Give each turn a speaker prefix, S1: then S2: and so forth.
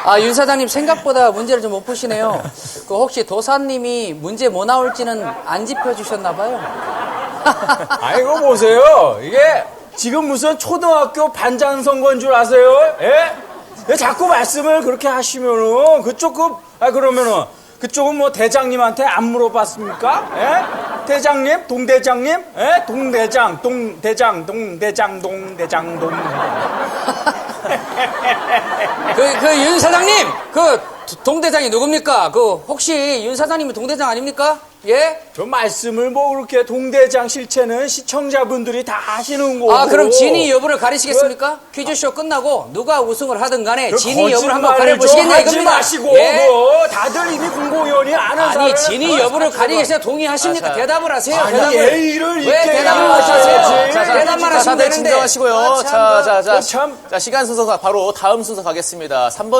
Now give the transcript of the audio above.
S1: 아, 윤 사장님 생각보다 문제를 좀 못 푸시네요. 그 혹시 도사님이 문제 뭐 나올지는 안 짚어주셨나 봐요.
S2: 아이고 보세요. 이게 지금 무슨 초등학교 반장 선거인 줄 아세요? 예? 왜 자꾸 말씀을 그렇게 하시면은 그러면은 그쪽은 뭐 대장님한테 안 물어봤습니까? 예? 대장님, 동대장님, 예? 동대장, 동대장, 동대장, 동대장,
S1: 그 윤 사장님, 그 동대장이 누굽니까? 그 혹시 윤 사장님이 동대장 아닙니까? 예?
S2: 저 말씀을 뭐 그렇게 동대장 실체는 시청자분들이 다 아시는 거고.
S1: 아, 그럼 진위 여부를 가리시겠습니까? 퀴즈쇼 끝나고 누가 우승을 하든 간에 진위 여부를 한번 가려보시겠냐
S2: 하지
S1: 이겁니다.
S2: 마시고
S1: 예?
S2: 뭐 다들 이미 공공위원이 아는
S1: 아니,
S2: 사람을
S1: 진위 여부를 가리겠어요? 동의하십니까? 대답을 하세요.
S2: 아니,
S1: 대답을.
S2: 예의를
S1: 왜
S2: 있게
S1: 대답을
S2: 해야지.
S1: 하세요?
S2: 자,
S1: 대답만 하시면
S3: 다들
S1: 되는데.
S3: 진정하시고요.
S1: 아, 참,
S3: 자,
S2: 참.
S3: 시간 순서 바로 다음 순서 가겠습니다. 3번